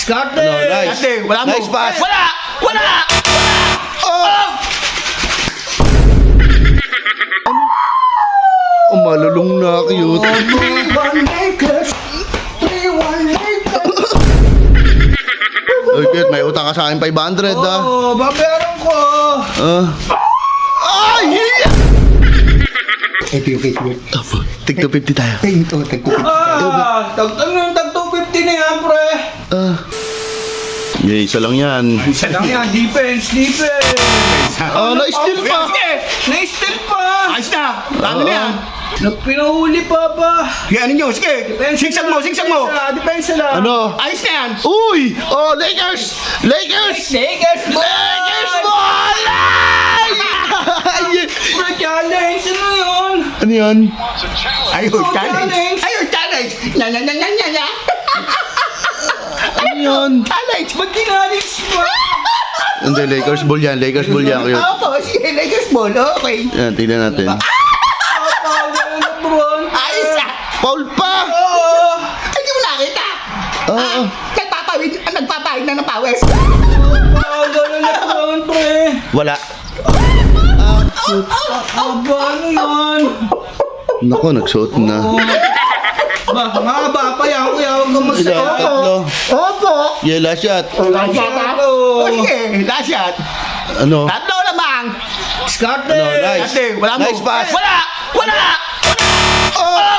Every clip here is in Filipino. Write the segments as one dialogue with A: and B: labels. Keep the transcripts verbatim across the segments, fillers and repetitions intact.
A: Skarte!
B: Ano, nice.
A: Skarte, wala mo.
B: Nice pass.
A: Wala! Wala!
B: Oh! Oh, malulong na cute. Oy, cute, may utang ka sa akin five hundred ah.
A: Oo, babayaran ko.
B: Ah. Ay!
C: Ito yung cake work.
B: Apo, tig two fifty tayo.
C: Ay, ito, tagtupit.
A: Ah, tag ano, tag two fifty na yan, pre.
B: Ah. Yeah, isa lang yan.
A: Isa lang yan, defense, defense.
B: Oh, na-steal pa.
A: Na-steal pa.
D: Ayos na! Dami na yan!
A: Nagpinahuli pa ba?
D: Yan ninyo, sige! Sigsag mo, sigsag mo!
A: Depensa lang.
B: Ano?
D: Ayos na yan!
B: Uy! Oh, Lakers! Lakers!
A: Lakers ball!
B: Lakers ball! Ay!
A: Pre, challenge! Ano yun?
B: Ano yan?
D: Ayun,
A: Oh,
D: challenge!
A: challenge.
D: Ayun, challenge! Nya, nya, nya, nya, nya, nya!
B: Ano yan?
D: Challenge!
A: Ba't ginalis mo?
B: Hindi, Lakers ball yan. Lakers ball yan. Cute.
D: Opo, sige, Lakers ball, okay!
B: Yan, tignan natin.
A: Lebron.
D: Ayos na!
B: Foul pa!
A: Oo.
D: Ay, di mo nakita!
B: Oo.
D: Nagpapawid, ah, nagpapawid na ng pawis!
A: Ah, ganun Lebron, pre.
B: Wala.
A: Aba, ano yun?
B: Nako, nagsuot na.
A: Ba, mahaba pa yan, kuya. Huwag kang
B: Ilan?
A: magsawa.
B: Tatlo.
D: Opo!
B: Yeah, last shot.
D: Last shot, ha?
A: Oo.
D: O, sige, last shot!
B: Ano?
D: Tatlo lamang!
A: Skarte.
B: Ano, nice.
D: Skarte, wala mo.
B: Nice pass.
D: Wala! Wala!
B: Oh!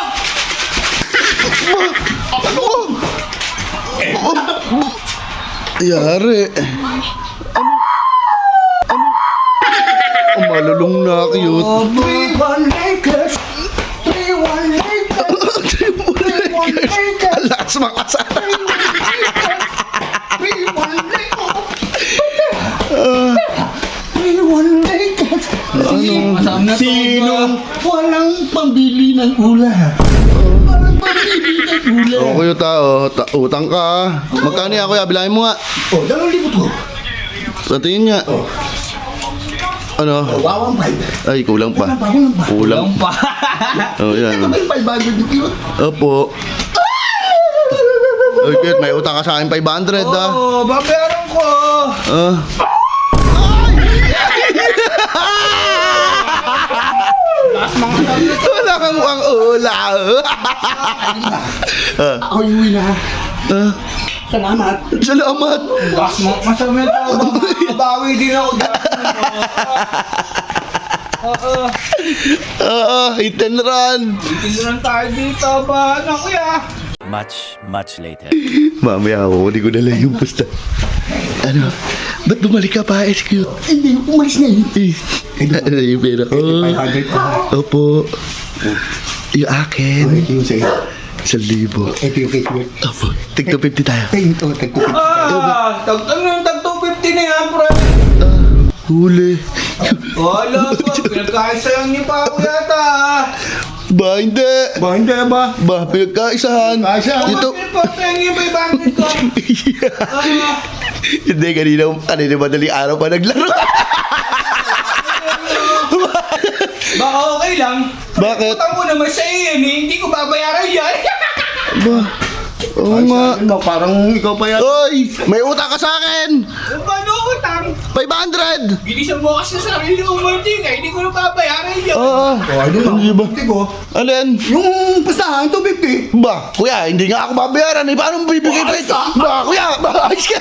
B: Yari. Ano? Ano? Oh, malulong na cute.
C: three one Lakers! three one Lakers! Lakers!
B: Alas makasara.
C: three one Lakers!
B: Ah,
C: three one Lakers!
B: ano?
A: Masam na to.
C: Sino walang pambili ng ulam? Walang pambili ng ulam.
B: Oh, kuya tao, ta utang ka ah. Magkano yan kuya? Bilangin mo nga.
C: Oh, dalawang libo to.
B: Sa tingin niya. Ano?
C: Wawang five.
B: Ay, kulang pa.
C: Walang pa,
B: Kulang.
C: walang pa.
A: Lang pa.
B: Oh, yan.
C: Ito ba yung five hundred dito yun?
B: Opo. Oy, cute, may utang ka sa akin five hundred ah.
A: Oo, babayaran ko.
B: Ah. Wala kang mukhang ula. Ah.
C: Ako yung uwi na.
B: Ah.
C: Salamat.
B: Salamat.
A: Mas masama to. Babawi din ako dati. Oo.
B: Oo, hit and run.
A: Tinduran tayo dito ba? Ano, kuya?
E: Much, much later.
B: Mamaya ako, hindi ko dala yung pusta. Ano? Ba't bumalik ka pa, S Q?
C: Hindi, umalis na yun.
B: Eh, ano yung pera ko?
C: five hundred pa.
B: Opo. Yung akin.
C: Ito yung sa'yo.
B: Sa libo.
C: Ito yung cake work.
B: Opo. Tig two fifty tayo.
C: Ay, ito, tagtupit.
A: Ah, tag ano, tag two fifty na yan, pre.
B: Ah, huli.
A: Wala pa, pinagkaisayan niyo pa ako yata.
B: Ba, hindi.
C: Ba, hindi ba?
B: Ba, pinagkaisahan.
C: Pinagkaisahan.
B: Ito.
A: Ano pa sa inyo ba yung bandit ko? Ah,
B: Hindi, kanina, kanina madaling araw pa naglaro.
A: baka okay lang.
B: Bakit?
A: Utang ko naman sa iyo, eh. Hindi ko babayaran yan.
B: Ba, oo nga.
C: Ano, parang ikaw pa yan.
B: Oy, may utang ka sa akin.
A: Paano utang?
B: five hundred.
A: Bilisan mo kasi sa sarili ko, Martin, eh. Hindi ko na babayaran yan.
B: Oo.
C: Oh, ano lang.
B: Hindi ba?
C: Hindi ko.
B: Alin?
C: Yung pustahan, two fifty.
B: Ba, kuya, hindi nga ako babayaran. Eh, paano mo bibigay pa ito? Ba, kuya, ba, ayos ka.